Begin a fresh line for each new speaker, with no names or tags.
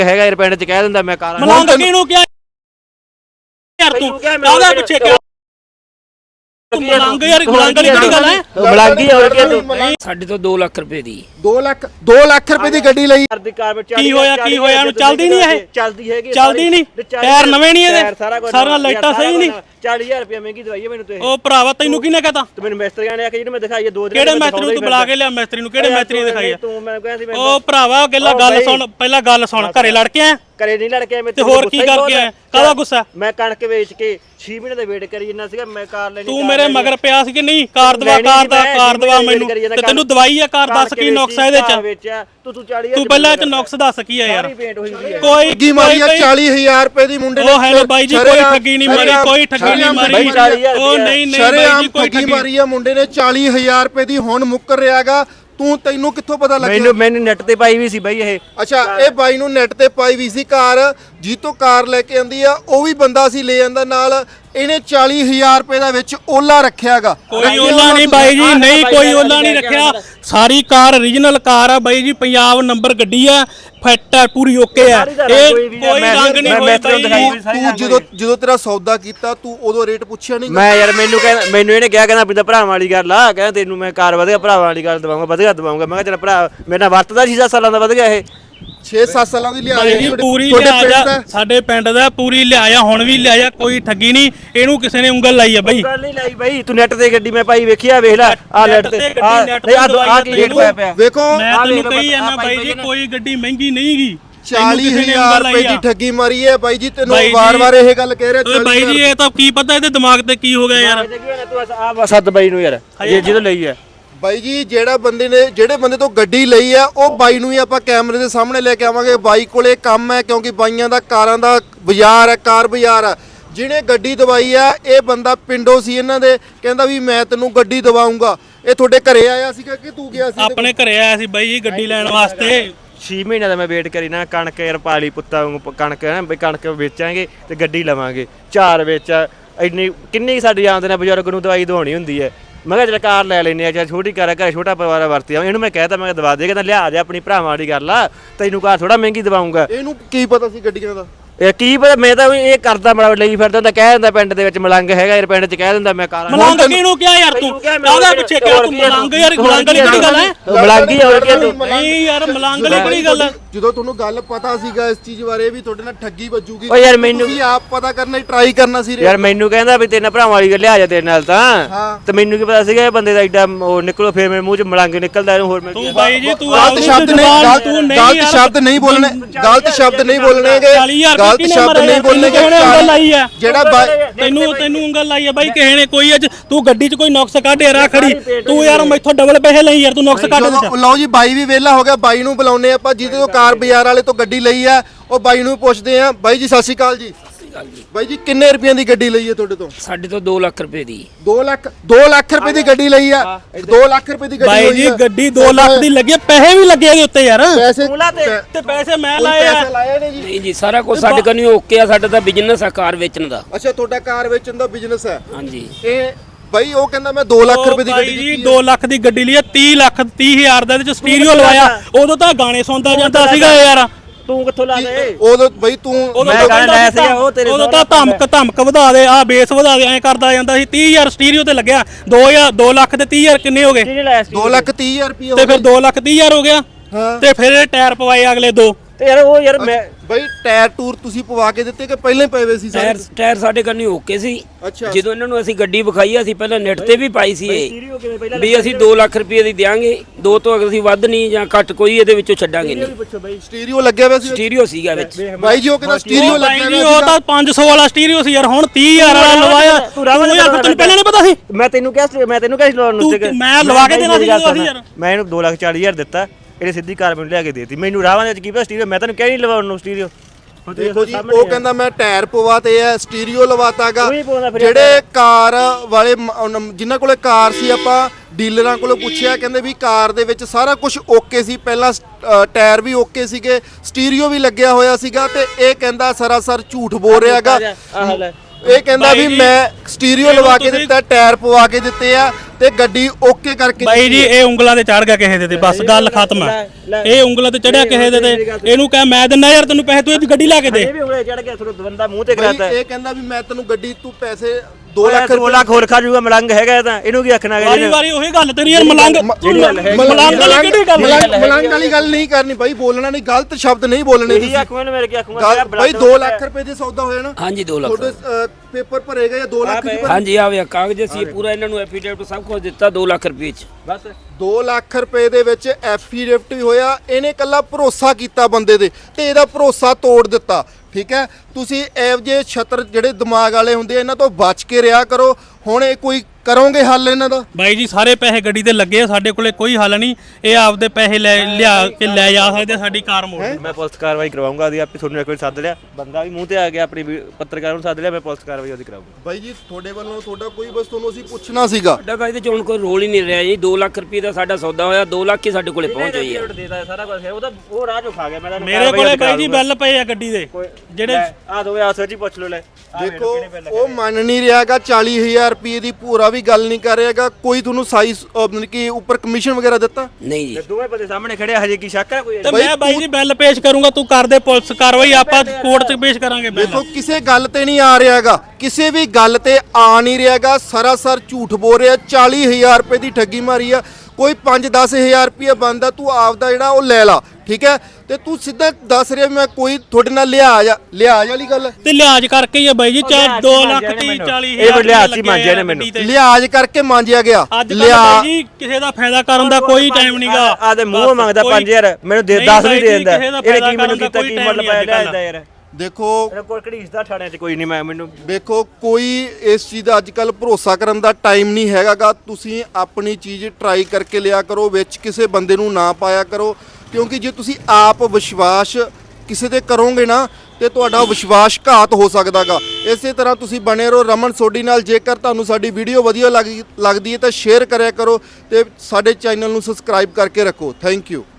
ਹੈਗਾ ਯਾਰ ਪਿੰਡ ਚ ਕਹਿ ਦਿੰਦਾ ਮੈਂ ਕਾਰ
ਮਲੰਗ ਕਿਹਨੂੰ ਕਿਹਾ ਯਾਰ ਤੂੰ ਕਾਹਦਾ ਪਿੱਛੇ ਕਿਉਂ ਮਲੰਗ ਯਾਰ ਮਲੰਗ ਵਾਲੀ ਕਿਹੜੀ ਗੱਲ ਹੈ
ਮਲੰਗੀ ਹੋਰ ਕੀ ਤੂੰ
ਸਾਡੇ ਤੋਂ 2 ਲੱਖ ਰੁਪਏ ਦੀ
2 ਲੱਖ ਰੁਪਏ ਦੀ ਗੱਡੀ ਲਈ।
ਕੀ ਹੋਇਆ ਇਹਨੂੰ ਚੱਲਦੀ ਨਹੀਂ ਇਹ ਚੱਲਦੀ ਨਹੀਂ ਟਾਇਰ ਨਵੇਂ ਨਹੀਂ ਇਹਦੇ ਸਾਰੀਆਂ ਲਾਈਟਾਂ ਸਹੀ ਨਹੀਂ
40000 ਰੁਪਏ ਮਹਿੰਗੀ ਦਵਾਈ ਹੈ ਮੈਨੂੰ ਤੇ
ਉਹ ਭਰਾਵਾ ਤੈਨੂੰ ਕਿਹਨੇ ਕਹਤਾ
ਤੇ ਮੈਨੂੰ ਮਿਸਤਰੀਆਂ ਨੇ ਆਖਿਆ ਜਿਹਨੂੰ ਮੈਂ ਦਿਖਾਈ 2 ਦਿਨ
ਕਿਹੜੇ ਮਿਸਤਰੀ ਨੂੰ ਤੂੰ ਬੁਲਾ ਕੇ ਲਿਆ ਮਿਸਤਰੀ ਨੂੰ ਕਿਹੜੇ ਮਿਸਤਰੀ ਨੇ ਦਿਖਾਈ
ਤੂੰ ਮੈਨੂੰ ਕਹਿੰਦਾ ਸੀ
ਉਹ ਭਰਾਵਾ ਗੱਲ ਸੁਣ ਪਹਿਲਾਂ ਗੱਲ ਸੁਣ ਘਰੇ ਲੜ ਕੇ ਆਇਆ
ਘਰੇ ਨਹੀਂ ਲੜ ਕੇ ਮੈਂ
ਤੇ ਹੋਰ ਕੀ ਕਰਕੇ ਆਇਆ ਕਾਹਦਾ ਗੁੱਸਾ
ਮੈਂ ਕਣਕ ਵੇਚ ਕੇ 6 ਮਹੀਨੇ ਦਾ ਵੇਟ ਕਰੀ ਜਿੰਨਾ ਸੀਗਾ ਮੈਂ ਕਾਰ ਲੈਣੀ
ਤੂੰ ਮੇਰੇ ਮਗਰ ਪਿਆ ਸੀ ਕਿ ਨਹੀਂ ਕਾਰ ਦਵਾ ਮੈਨੂੰ ਤੇ ਤੈਨੂੰ ਦਵਾਈ ਆ ਕਾਰ ਦੱਸ ਕੀ ਨੁਕਸ ਆ ਇਹਦੇ ਚ
ਤੂੰ 40000
ਤੂੰ ਪਹਿਲਾਂ ਇਹ ਚ ਨੁਕਸ ਦੱਸ ਕੀ ਆ ਯਾਰ
ਕੋਈ ਠੱਗੀ ਮਾਰੀ ਆ 40000 ਰੁਪਏ ਦੀ ਮੁੰਡੇ ਨੇ।
ਉਹ ਹੈਲੋ ਬਾਈ ਜੀ ਕੋਈ ਠੱਗੀ ਨਹੀਂ ਮਾਰੀ ਕੋਈ ਠੱਗੀ ਨਹੀਂ ਮਾਰੀ ਉਹ ਨਹੀਂ ਬਾਈ ਜੀ ਕੋਈ
ਠੱਗੀ ਮਾਰੀ ਆ ਮੁੰਡੇ ਨੇ 40000 ਰੁਪਏ ਦੀ ਹੁਣ ਮੁੱਕਰ ਰਿਹਾਗਾ। ਤੈਨੂੰ ਕਿੱਥੋਂ ਪਤਾ ਲੱਗਿਆ?
ਮੈਨੂੰ ਨੈਟ ਤੇ ਪਾਈ ਵੀ ਸੀ ਬਾਈ ਇਹ।
ਅੱਛਾ ਇਹ ਬਾਈ ਨੂੰ ਨੈਟ ਤੇ ਪਾਈ ਵੀ ਸੀ ਕਾਰ ਜੀ ਤੋਂ ਕਾਰ ਲੈ ਕੇ ਆਂਦੀ ਆ ਉਹ ਵੀ ਬੰਦਾ ਸੀ ਲੈ ਜਾਂਦਾ ਨਾਲ ਇਹਨੇ 40000 ਰੁਪਏ ਦਾ ਵਿੱਚ ਓਲਾ ਰੱਖਿਆਗਾ।
ਕੋਈ ਓਲਾ ਨਹੀਂ ਬਾਈ ਜੀ ਨਹੀਂ ਕੋਈ ਓਲਾ ਨਹੀਂ ਰੱਖਿਆ ਸਾਰੀ ਕਾਰ ਓਰੀਜਨਲ ਕਾਰ ਆ ਬਾਈ ਜੀ ਪੰਜਾਬ ਨੰਬਰ ਗੱਡੀ ਆ ਫਿੱਟ ਆ ਪੂਰੀ ਓਕੇ ਆ ਇਹ ਕੋਈ ਰੰਗ ਨਹੀਂ ਹੋਈ ਬਾਈ
ਤੂੰ ਜਦੋਂ ਤੇਰਾ ਸੌਦਾ ਕੀਤਾ ਤੂੰ ਉਦੋਂ ਰੇਟ ਪੁੱਛਿਆ ਨਹੀਂ?
ਮੈਂ ਯਾਰ ਮੈਨੂੰ ਇਹਨੇ ਕਿਹਾ ਕਹਿੰਦਾ ਪਿੰਦਾ ਭਰਾਵਾਂ ਵਾਲੀ ਗੱਲ ਆ ਕਹਿੰਦਾ ਤੈਨੂੰ ਮੈਂ ਕਾਰ ਵਧੀਆ ਭਰਾਵਾਂ ਵਾਲੀ ਗੱਲ ਦਵਾਉਂਗਾ ਵਧੀਆ ਦਵਾਉਂਗਾ। ਮੈਂ ਕਿਹਾ ਤੇਰਾ ਭਰਾ ਮੇਰੇ ਨਾਲ ਵਰਤਦਾ 6-7 ਸਾਲਾਂ ਦਾ ਵਧ ਗਿਆ ਇਹ
6-7 ਸਾਲਾਂ ਦੀ ਲਿਆ
ਪੂਰੀ ਲਿਆ ਸਾਡੇ ਪਿੰਡ ਦਾ ਪੂਰੀ ਲਿਆਇਆ ਹੁਣ ਵੀ ਲਿਆਇਆ ਕੋਈ ਠੱਗੀ ਨਹੀਂ ਇਹਨੂੰ ਕਿਸੇ ਨੇ ਉਂਗਲ ਲਾਈ ਆ ਬਾਈ।
ਗੱਲ ਨਹੀਂ ਲਾਈ ਬਾਈ ਤੂੰ ਨੈਟ ਤੇ ਗੱਡੀ ਮੈਂ ਪਾਈ ਵੇਖਿਆ ਵੇਖ ਲੈ ਆ ਨੈਟ ਤੇ ਆ ਕੀ ਰੇਟ ਪਾਇਆ ਪਿਆ
ਵੇਖੋ
ਮੈਂ ਤੈਨੂੰ ਕਹੀ ਜਾਂਦਾ ਬਾਈ ਜੀ ਕੋਈ ਗੱਡੀ ਮਹਿੰਗੀ ਨਹੀਂ ਗਈ
40000 ਰੁਪਏ ਦੀ ਠੱਗੀ ਮਾਰੀ ਹੈ ਬਾਈ ਜੀ ਤੈਨੂੰ ਵਾਰ-ਵਾਰ ਇਹ ਗੱਲ ਕਹਿ ਰਿਹਾ
ਬਾਈ ਜੀ ਇਹ ਤਾਂ ਕੀ ਪਤਾ ਇਹਦੇ ਦਿਮਾਗ ਤੇ ਕੀ ਹੋ ਗਿਆ ਯਾਰ
ਤੂੰ ਆ ਸੱਦ ਬਾਈ ਨੂੰ ਯਾਰ ਇਹ ਜਦੋਂ ਲਈ ਹੈ
ਬਾਈ ਜੀ ਜਿਹੜੇ ਬੰਦੇ ਤੋਂ ਗੱਡੀ ਲਈ ਆ ਉਹ ਬਾਈ ਨੂੰ ਹੀ ਆਪਾਂ ਕੈਮਰੇ ਦੇ ਸਾਹਮਣੇ ਲੈ ਕੇ ਆਵਾਂਗੇ। ਬਾਈ ਕੋਲੇ ਕੰਮ ਹੈ ਕਿਉਂਕਿ ਬਾਈਆਂ ਦਾ ਕਾਰਾਂ ਦਾ ਬਾਜ਼ਾਰ ਹੈ ਕਾਰ ਬਾਜ਼ਾਰ ਆ। ਜਿਹਨੇ ਗੱਡੀ ਦਵਾਈ ਆ ਇਹ ਬੰਦਾ ਪਿੰਡੋਂ ਸੀ ਇਹਨਾਂ ਦੇ ਕਹਿੰਦਾ ਵੀ ਮੈਂ ਤੈਨੂੰ ਗੱਡੀ ਦਵਾਉਂਗਾ। ਇਹ ਤੁਹਾਡੇ ਘਰੇ ਆਇਆ ਸੀਗਾ ਕਿ ਤੂੰ ਗਿਆ ਸੀ?
ਆਪਣੇ ਘਰੇ ਆਇਆ ਸੀ ਬਾਈ ਜੀ ਗੱਡੀ ਲੈਣ ਵਾਸਤੇ
6 ਮਹੀਨਿਆਂ ਦਾ ਮੈਂ ਵੇਟ ਕਰੀ ਨਾ ਕਣਕ ਯਾਰ ਪਾਲੀ ਪੁੱਤਾਂ ਵਾਂਗੂ ਕਣਕ ਹੈ ਬਈ ਕਣਕ ਵੇਚਾਂਗੇ ਤੇ ਗੱਡੀ ਲਵਾਂਗੇ 4 ਵਿੱਚ ਇੰਨੀ ਕਿੰਨੀ ਸਾਡੀ ਆਮਦਨ ਹੈ ਬਜ਼ੁਰਗ ਨੂੰ ਦਵਾਈ ਦਵਾਉਣੀ ਹੁੰਦੀ ਹੈ। ਮੈਂ ਕਿਹਾ ਚਲ ਕਾਰ ਲੈ ਲੈਨੇ ਆ ਚਾਹੇ ਛੋਟੀ ਕਾਰ ਘਰੇ ਛੋਟਾ ਪਰਿਵਾਰ ਵਰਤੀ ਆ ਇਹਨੂੰ ਮੈਂ ਕਹਿਤਾ ਮੈਂ ਦਵਾ ਦੇ ਕਹਿੰਦਾ ਲਿਆ ਦੇ ਆਪਣੀ ਭਰਾਵਾਂ ਵਾਲੀ ਗੱਲ ਆ ਤੈਨੂੰ ਕਾਰ ਥੋੜਾ ਮਹਿੰਗੀ ਦਵਾਉਂਗਾ।
ਇਹਨੂੰ ਕੀ ਪਤਾ ਸੀ ਗੱਡੀਆਂ ਦਾ?
ਇਹ ਕੀ ਪਤਾ ਮੈਂ ਤਾਂ ਇਹ ਕਰਦਾ ਬੜਾ ਲਈ ਫਿਰਦਾ ਹੁੰਦਾ ਕਹਿ ਦਿੰਦਾ ਪਿੰਡ ਦੇ ਵਿੱਚ ਮਲੰਗ ਹੈਗਾ ਯਾਰ ਪਿੰਡ ਚ ਕਹਿ ਦਿੰਦਾ ਮੈਂ ਕਾਰ
ਮਲੰਗ ਕਿਹਨੂੰ ਕਿਹਾ ਯਾਰ ਤੂੰ ਕਾਹਦਾ ਪਿੱਛੇ ਕਿਉਂ ਤੂੰ ਮਲੰਗ ਯਾਰ ਮਲੰਗ ਵਾਲੀ ਕਿਹੜੀ ਗੱਲ ਹੈ
ਮਲੰਗੀ ਹੋਰ ਕੀ ਤੂੰ
ਨਹੀਂ ਯਾਰ ਮਲੰਗ ਵਾਲੀ ਕਿਹੜੀ ਗੱਲ ਹੈ
ਜਦੋਂ ਤੁਹਾਨੂੰ ਗੱਲ ਪਤਾ ਸੀਗਾ ਇਸ ਚੀਜ਼ ਬਾਰੇ ਵੀ ਤੁਹਾਡੇ ਨਾਲ ਠੱਗੀ ਵੱਜੂਗੀ
ਓ ਯਾਰ ਮੈਨੂੰ
ਤੁਸੀਂ ਆਪ ਪਤਾ ਕਰਨਾ ਟਰਾਈ ਕਰਨਾ ਸੀ
ਯਾਰ ਮੈਨੂੰ ਕਹਿੰਦਾ ਵੀ ਤੇਰੇ ਭਰਾਵਾਂ ਵਾਲੀ ਗੱਲ ਲਿਆ ਜਾ ਤੇਰੇ ਨਾਲ ਤਾਂ ਤੇ ਮੈਨੂੰ ਕੀ ਪਤਾ ਸੀਗਾ ਇਹ ਬੰਦੇ ਦਾ ਐਡਾ ਉਹ ਨਿਕਲੋ ਫੇਰ ਮੇਰੇ ਮੂੰਹ ਚ ਮਲੰਗ ਨਿਕਲਦਾ ਇਹਨੂੰ ਹੋਰ ਮੈਂ
ਤੂੰ ਬਾਈ ਜੀ ਤੂੰ
ਗਲਤ ਸ਼ਬਦ ਨਹੀਂ ਬੋਲਣੇ ਗਲਤ ਸ਼ਬਦ ਨਹੀਂ ਬੋਲਣੇਗੇ ਗਲਤ ਸ਼ਬਦ ਨਹੀਂ ਬੋਲਣੇਗੇ ਜਿਹੜਾ
ਤੈਨੂੰ ਉਂਗਲ ਲਾਈ ਆ ਬਾਈ ਕਿਸੇ ਨੇ ਕੋਈ ਅੱਜ ਤੂੰ ਗੱਡੀ 'ਚ ਕੋਈ ਨੁਕਸ ਕੱਢ ਰਾ ਖੜੀ ਤੂੰ ਯਾਰ ਮੈਥੋਂ ਡਬਲ ਪੈਸੇ ਲਈ ਯਾਰ ਤੂੰ ਨੁਕਸ ਕੱਢ ਦੇ।
ਲਓ ਜੀ ਬਾਈ ਵੀ ਵਿਹਲਾ ਹੋ ਗਿਆ ਬਾਈ ਨੂੰ ਬੁਲਾਉਨੇ ਆਪਾਂ ਜਿਹਦੇ ਤੋਂ ਕਾਰ ਬਾਜ਼ਾਰ ਵਾਲੇ ਤੋਂ ਗੱਡੀ ਲਈ ਆ ਉਹ ਬਾਈ ਨੂੰ ਪੁੱਛਦੇ ਆ। ਬਾਈ ਜੀ ਸਤਿ ਸ਼੍ਰੀ ਅਕਾਲ ਜੀ। ਬਾਈ ਜੀ ਕਿੰਨੇ ਰੁਪਈਆਂ ਦੀ ਗੱਡੀ ਲਈ ਹੈ ਤੁਹਾਡੇ ਤੋਂ?
ਸਾਡੇ ਤੋਂ 2 ਲੱਖ ਰੁਪਏ ਦੀ
2 ਲੱਖ ਰੁਪਏ ਦੀ ਗੱਡੀ ਲਈ ਆ 2 ਲੱਖ ਰੁਪਏ ਦੀ ਗੱਡੀ
ਬਾਈ ਜੀ ਗੱਡੀ 2 ਲੱਖ ਦੀ ਲੱਗੀ ਪੈਸੇ ਵੀ ਲੱਗੇ ਇਹਦੇ ਉੱਤੇ ਯਾਰ
ਪੈਸੇ
ਤੇ ਪੈਸੇ ਮੈਂ ਲਾਏ ਆ
ਨਹੀਂ ਜੀ ਸਾਰਾ ਕੁਝ ਸਾਡੇ ਕੋਲ ਨਹੀਂ ਓਕੇ ਆ ਸਾਡਾ ਤਾਂ ਬਿਜ਼ਨਸ ਆ ਕਾਰ ਵੇਚਣ ਦਾ।
ਅੱਛਾ ਤੁਹਾਡਾ ਕਾਰ ਵੇਚਣ ਦਾ ਬਿਜ਼ਨਸ ਹੈ?
ਹਾਂਜੀ।
ਇਹ ਬਾਈ ਉਹ ਕਹਿੰਦਾ ਮੈਂ 2 ਲੱਖ ਰੁਪਏ ਦੀ ਗੱਡੀ
ਜੀ 2 ਲੱਖ ਦੀ ਗੱਡੀ ਲਈ 30,30,000 ਦਾ ਇਹਦੇ ਚ ਸਟੀਰੀਓ ਲਵਾਇਆ ਉਦੋਂ ਤਾਂ ਗਾਣੇ ਸੁਣਦਾ ਜਾਂਦਾ ਸੀਗਾ ਯਾਰ
ਤੂੰ ਕਿੱਥੋਂ ਲਾ ਦੇ
ਉਦੋਂ ਬਈ ਤੂੰ
ਮੈਂ ਗਾਣੇ ਲਾਇਆ ਸੀਗਾ ਉਹ ਤੇਰੇ
ਉਦੋਂ ਤਾਂ ਧਮਕ ਵਧਾ ਦੇ ਆ ਬੇਸ ਵਧਾ ਦੇ ਐ ਕਰਦਾ ਜਾਂਦਾ ਸੀ 30,000 ਸਟੀਰੀਓ ਤੇ ਲੱਗਿਆ 2 ਲੱਖ ਤੇ 30,000 ਕਿੰਨੇ ਹੋ ਗਏ
2,30,000 ਰੁਪਏ
ਤੇ ਫਿਰ 2,30,000 ਹੋ ਗਿਆ ਤੇ ਫਿਰ ਇਹ ਟਾਇਰ ਪਵਾਏ ਅਗਲੇ 2
ਤੇ ਯਾਰ ਉਹ ਯਾਰ ਮੈਂ
ਬਈ ਟਾਇਰ ਟੂਰ ਤੁਸੀਂ ਪਵਾ ਕੇ ਦਿੱਤੇ ਕਿ ਪਹਿਲਾਂ ਹੀ ਪਏ ਹੋਏ ਸੀ ਸਾਰੇ?
ਟਾਇਰ ਸਾਡੇ ਕੋਲ ਨਹੀਂ ਓਕੇ ਸੀ। ਜਦੋਂ ਇਹਨਾਂ ਨੂੰ ਅਸੀਂ ਗੱਡੀ ਵਿਖਾਈ ਅਸੀਂ ਪਹਿਲਾਂ ਨੈਟ ਤੇ ਵੀ ਪਾਈ ਸੀ ਇਹ ਵੀ ਅਸੀਂ 2 ਲੱਖ ਰੁਪਏ ਦੀ ਦੇਾਂਗੇ 2 ਤੋਂ ਅਗਰ ਅਸੀਂ ਵੱਧ ਨਹੀਂ ਜਾਂ ਘੱਟ ਕੋਈ ਇਹਦੇ ਵਿੱਚੋਂ ਛੱਡਾਂਗੇ ਨਹੀਂ।
ਸਟੀਰੀਓ ਲੱਗਿਆ ਹੋਇਆ ਸੀ?
ਸਟੀਰੀਓ ਸੀਗਾ ਵਿੱਚ
ਬਾਈ ਜੀ ਉਹ ਕਹਿੰਦਾ ਸਟੀਰੀਓ ਲੱਗਿਆ ਹੋਇਆ
ਸੀ। ਉਹ ਤਾਂ 500 ਵਾਲਾ ਸਟੀਰੀਓ ਸੀ ਯਾਰ ਹੁਣ 30,000 ਵਾਲਾ ਲਵਾਇਆ ਤੂੰ ਯਾਰ ਤੈਨੂੰ ਪਹਿਲਾਂ ਨਹੀਂ ਪਤਾ ਸੀ?
ਮੈਂ ਤੈਨੂੰ ਕਿਹਾ ਲਵਾਉਣ ਨੂੰ
ਮੈਂ ਲਵਾ ਕੇ ਦੇਣਾ ਸੀ ਯਾਰ
ਮੈਂ ਇਹਨੂੰ 2,40,000 ਦਿੱਤਾ ਇਹਨੇ ਸਿੱਧੀ ਕਾਰ ਮੈਨੂੰ ਲਿਆ ਕੇ ਦੇਤੀ ਮੈਨੂੰ ਰਾਵਾਂ ਦੇ ਵਿੱਚ ਕੀ ਪਤਾ ਸਟੀਰੀਓ ਮੈਂ ਤੈਨੂੰ ਕਹਿ ਨਹੀਂ ਲਵਾਉਣ ਨੂੰ ਸਟੀਰੀਓ।
ਦੇਖੋ ਜੀ ਉਹ ਕਹਿੰਦਾ ਮੈਂ ਟਾਇਰ ਪਵਾਤੇ ਆ ਸਟੀਰੀਓ ਲਵਾਤਾਗਾ। ਜਿਹੜੇ ਕਾਰ ਵਾਲੇ ਜਿਨ੍ਹਾਂ ਕੋਲੇ ਕਾਰ ਸੀ ਆਪਾਂ ਡੀਲਰਾਂ ਕੋਲੋਂ ਪੁੱਛਿਆ ਕਹਿੰਦੇ ਵੀ ਕਾਰ ਦੇ ਵਿੱਚ ਸਾਰਾ ਕੁਝ ਓਕੇ ਸੀ ਪਹਿਲਾਂ ਟਾਇਰ ਵੀ ਓਕੇ ਸੀਗੇ ਸਟੀਰੀਓ ਵੀ ਲੱਗਿਆ ਹੋਇਆ ਸੀਗਾ ਤੇ ਇਹ ਕਹਿੰਦਾ ਸਰਾਸਰ ਝੂਠ ਬੋਲ ਰਿਹਾਗਾ। ਇਹ ਕਹਿੰਦਾ ਵੀ ਮੈਂ ਸਟੀਰੀਓ ਲਵਾ ਕੇ ਦਿੱਤਾ, ਟਾਇਰ ਪਵਾ ਕੇ ਦਿੱਤੇ ਆ ਤੇ ਗੱਡੀ ਓਕੇ ਕਰਕੇ
ਬਾਈ ਜੀ ਇਹ ਉਂਗਲਾਂ ਤੇ ਚੜ ਗਿਆ ਕਿਸੇ ਦੇ ਤੇ ਬਸ ਗੱਲ ਖਤਮ ਹੈ। ਇਹ ਉਂਗਲਾਂ ਤੇ ਚੜਿਆ ਕਿਸੇ ਦੇ ਤੇ ਇਹਨੂੰ ਕਹਿ ਮੈਂ ਦਿੰਦਾ ਯਾਰ ਤੈਨੂੰ ਪੈਸੇ, ਤੂੰ ਇਹਦੀ ਗੱਡੀ ਲਾ ਕੇ ਦੇ।
ਇਹ ਵੀ ਉਂਗਲੇ ਚੜ ਗਿਆ, ਤੁਹਾਨੂੰ ਬੰਦਾ ਮੂੰਹ ਤੇ ਕਰਾਤਾ।
ਇਹ ਕਹਿੰਦਾ ਵੀ ਮੈਂ ਤੈਨੂੰ ਗੱਡੀ, ਤੂੰ ਪੈਸੇ 2 ਲੱਖ
2 ਲੱਖ ਹੋਰ ਖਾ ਜੂਗਾ, ਮਲੰਗ ਹੈਗਾ ਤਾਂ ਇਹਨੂੰ ਕੀ ਆਖਣਾ ਹੈਗਾ
ਵਾਰੀ ਵਾਰੀ ਉਹੀ ਗੱਲ ਤੇਰੀ ਯਾਰ, ਮਲੰਗ
ਮਲੰਗ ਵਾਲੀ ਗੱਲ ਨਹੀਂ ਕਰਨੀ ਬਾਈ, ਬੋਲਣਾ ਨਹੀਂ, ਗਲਤ ਸ਼ਬਦ ਨਹੀਂ ਬੋਲਣੇ
ਇਹੀ ਆਖੂਗਾ ਨਾ, ਮੇਰੇ ਕੀ ਆਖੂਗਾ
ਬਾਈ। 2 ਲੱਖ ਰੁਪਏ ਦੇ ਸੌਦਾ ਹੋਇਆ ਨਾ?
ਹਾਂਜੀ 2 ਲੱਖ
ਤੁਹਾਡੇ ਪੇਪਰ ਭਰੇਗਾ ਜਾਂ 2 ਲੱਖ ਦੀ?
ਹਾਂਜੀ ਆਵੇ ਕਾਗਜ਼ ਸੀ ਪੂਰਾ, ਇਹਨਾਂ ਨੂੰ ਐਫੀਡੇਵਿਟ ਸਭ ਕੁਝ ਦਿੱਤਾ 2 ਲੱਖ ਰੁਪਏ ਚ।
ਬਸ
2 ਲੱਖ ਰੁਪਏ ਦੇ ਵਿੱਚ ਐਫੀਡੇਵਿਟ ਵੀ ਹੋਇਆ, ਇਹਨੇ ਕੱਲਾ ਭਰੋਸਾ ਕੀਤਾ ਬੰਦੇ ਦੇ ਤੇ ਇਹਦਾ ਭਰੋਸਾ ਤੋੜ ਦਿੱਤਾ। ਠੀਕ ਹੈ, ਤੁਸੀਂ ਇਹੋ ਜਿਹੇ ਛਤਰ ਜਿਹੜੇ ਦਿਮਾਗ ਵਾਲੇ ਹੁੰਦੇ ਇਹਨਾਂ ਤੋਂ ਬਚ ਕੇ ਰਿਹਾ ਕਰੋ। ਹੁਣ ਇਹ ਕੋਈ ਕਰੋਗੇ ਹੱਲ ਇਹਨਾਂ ਦਾ?
ਬਾਈ ਜੀ ਸਾਰੇ ਪੈਸੇ ਗੱਡੀ ਤੇ ਲੱਗੇ ਆ, ਸਾਡੇ ਕੋਲੇ ਕੋਈ ਹੱਲ ਨਹੀਂ। ਇਹ ਆਪਦੇ ਪੈਸੇ ਲਿਆ ਕੇ ਲੈ ਜਾ ਸਕਦੇ, ਸਾਡੀ ਕਾਰ ਮੋੜ।
ਮੈਂ ਪੁਲਿਸ ਕਾਰਵਾਈ ਕਰਵਾਉਂਗਾ ਉਹਦੀ, ਆਪੇ ਤੁਹਾਨੂੰ ਇੱਕ ਵਾਰ ਸੱਦ ਲਿਆ, ਬੰਦਾ ਵੀ ਮੂੰਹ ਤੇ ਆ ਗਿਆ, ਆਪਣੀ ਪੱਤਰਕਾਰ ਨੂੰ ਸੱਦ ਲਿਆ, ਮੈਂ ਪੁਲਿਸ ਕਾਰਵਾਈ ਉਹਦੀ ਕਰਾਉਂਗਾ।
ਬਾਈ ਜੀ ਤੁਹਾਡੇ ਵੱਲੋਂ ਤੁਹਾਡਾ ਕੋਈ, ਬਸ ਤੁਹਾਨੂੰ ਅਸੀਂ ਪੁੱਛਣਾ ਸੀਗਾ।
ਸਾਡਾ ਤਾਂ ਇਹਦੇ ਚ ਹੁਣ ਕੋਈ ਰੋਲ ਹੀ ਨਹੀਂ ਰਿਹਾ ਜੀ। 2 ਲੱਖ ਰੁਪਏ ਦਾ ਸਾਡਾ ਸੌਦਾ ਹੋਇਆ, 2 ਲੱਖ ਹੀ ਸਾਡੇ ਕੋਲੇ ਪਹੁੰਚ ਗਈ ਹੈ।
ਦੇਦਾ ਸਾਰਾ ਕੁਝ, ਉਹਦਾ ਉਹ ਰਾਹ ਚੋਂ ਖਾ ਗਿਆ। ਮੈਂ
ਮੇਰੇ ਕੋਲੇ ਬਾਈ ਜੀ ਬਿੱਲ ਪਏ ਆ ਗੱਡੀ ਦੇ ਜਿਹੜੇ
ਆ ਦੋ ਆ ਸੱਚੀ ਪੁੱਛ ਲੋ ਲੈ।
ਦੇਖੋ ਉਹ ਮੰਨ ਨਹੀਂ ਰਿਹਾਗਾ, 40,000 ਰੁਪਏ ਦੀ ਪੂਰਾ ਵੀ ਗੱਲ ਨਹੀਂ ਕਰ ਰਿਹਾਗਾ। ਕੋਈ ਤੁਹਾਨੂੰ ਸਾਈਜ਼ ਕਿ ਉੱਪਰ ਕਮਿਸ਼ਨ ਵਗੈਰਾ ਦਿੱਤਾ?
ਨਹੀਂ ਜੀ।
ਦੋਵੇਂ ਬੰਦੇ ਸਾਹਮਣੇ ਖੜੇ, ਹਜੇ ਕੀ ਸ਼ੱਕ ਹੈ ਕੋਈ?
ਤੇ ਮੈਂ ਬਾਈ ਜੀ ਬਿੱਲ ਪੇਸ਼ ਕਰੂੰਗਾ, ਤੂੰ ਕਰ ਦੇ ਪੁਲਿਸ ਕਾਰਵਾਈ, ਆਪਾਂ ਕੋਰਟ 'ਚ ਪੇਸ਼ ਕਰਾਂਗੇ ਬਿੱਲ।
ਦੇਖੋ ਕਿਸੇ ਗੱਲ ਤੇ ਨਹੀਂ ਆ ਰਿਹਾਗਾ, ਕਿਸੇ ਵੀ ਗੱਲ ਤੇ ਆ ਨਹੀਂ ਰਿਹਾਗਾ, ਸਰਾਸਰ ਝੂਠ ਬੋਲ ਰਿਹਾ। 40,000 ਰੁਪਏ ਦੀ ਠੱਗੀ ਮਾਰੀ ਆ। ਕੋਈ 5-10,000 ਰੁਪਏ ਬਣਦਾ, ਤੂੰ ਆਪਦਾ ਜਿਹੜਾ ਉਹ ਲੈ ਲਾ। ਠੀਕ ਹੈ, ਤੇ ਤੂੰ ਸਿੱਧਾ ਦੱਸ ਰਿਹਾ ਮੈਂ ਕੋਈ ਤੁਹਾਡੇ ਨਾਲ ਲਿਹਾਜ਼ ਵਾਲੀ ਗੱਲ
ਤੇ ਲਿਹਾਜ਼ ਕਰਕੇ ਹੀ ਆ ਬਾਈ ਜੀ, 2 ਲੱਖ 30-40,000
ਇਹ ਲਿਹਾਜ਼ ਹੀ ਮੰਜਿਆ ਨੇ ਮੈਨੂੰ,
ਲਿਹਾਜ਼ ਕਰਕੇ ਮੰਜਿਆ ਗਿਆ।
ਅੱਜ ਕੱਲ੍ਹ ਬਾਈ ਜੀ ਕਿਸੇ ਦਾ ਫਾਇਦਾ ਕਰਨ ਦਾ ਕੋਈ ਟਾਈਮ ਨਹੀਂਗਾ।
ਆਦੇ ਮੂੰਹ ਮੰਗਦਾ 5,000, ਮੈਨੂੰ 10 ਵੀ ਦੇ ਦਿੰਦਾ। ਇਹਨੇ ਕੀ ਮੈਨੂੰ ਕੀਤਾ, ਕੀ ਮਤਲਬ ਪਾਇਆ ਯਾਰ?
ਦੇਖੋ
ਕੋਈ ਘੜੀਸਦਾ ਠਾਣਿਆਂ 'ਚ ਕੋਈ ਨਹੀਂ, ਮੈਨੂੰ
ਦੇਖੋ ਕੋਈ ਇਸ ਚੀਜ਼ ਦਾ ਅੱਜ ਕੱਲ ਭਰੋਸਾ ਕਰਨ ਦਾ ਟਾਈਮ ਨਹੀਂ ਹੈਗਾਗਾ। ਤੁਸੀਂ ਆਪਣੀ ਚੀਜ਼ ਟਰਾਈ ਕਰਕੇ ਲਿਆ ਕਰੋ, ਵਿੱਚ ਕਿਸੇ ਬੰਦੇ ਨੂੰ ਨਾ ਪਾਇਆ ਕਰੋ, ਕਿਉਂਕਿ ਜੇ ਤੁਸੀਂ ਆਪ ਵਿਸ਼ਵਾਸ ਕਿਸੇ ਤੇ ਕਰੋਗੇ ਨਾ ਤੇ ਤੁਹਾਡਾ ਵਿਸ਼ਵਾਸ ਘਾਤ ਹੋ ਸਕਦਾਗਾ। ਇਸੇ ਤਰ੍ਹਾਂ ਤੁਸੀਂ ਬਣੇ ਰਹੋ ਰਮਨ ਸੋਢੀ ਨਾਲ। ਜੇਕਰ ਤੁਹਾਨੂੰ ਸਾਡੀ ਵੀਡੀਓ ਵਧੀਆ ਲੱਗਦੀ ਹੈ ਤਾਂ ਸ਼ੇਅਰ ਕਰਿਆ ਕਰੋ ਤੇ ਸਾਡੇ ਚੈਨਲ ਨੂੰ ਸਬਸਕ੍ਰਾਈਬ ਕਰਕੇ ਰੱਖੋ। Thank you.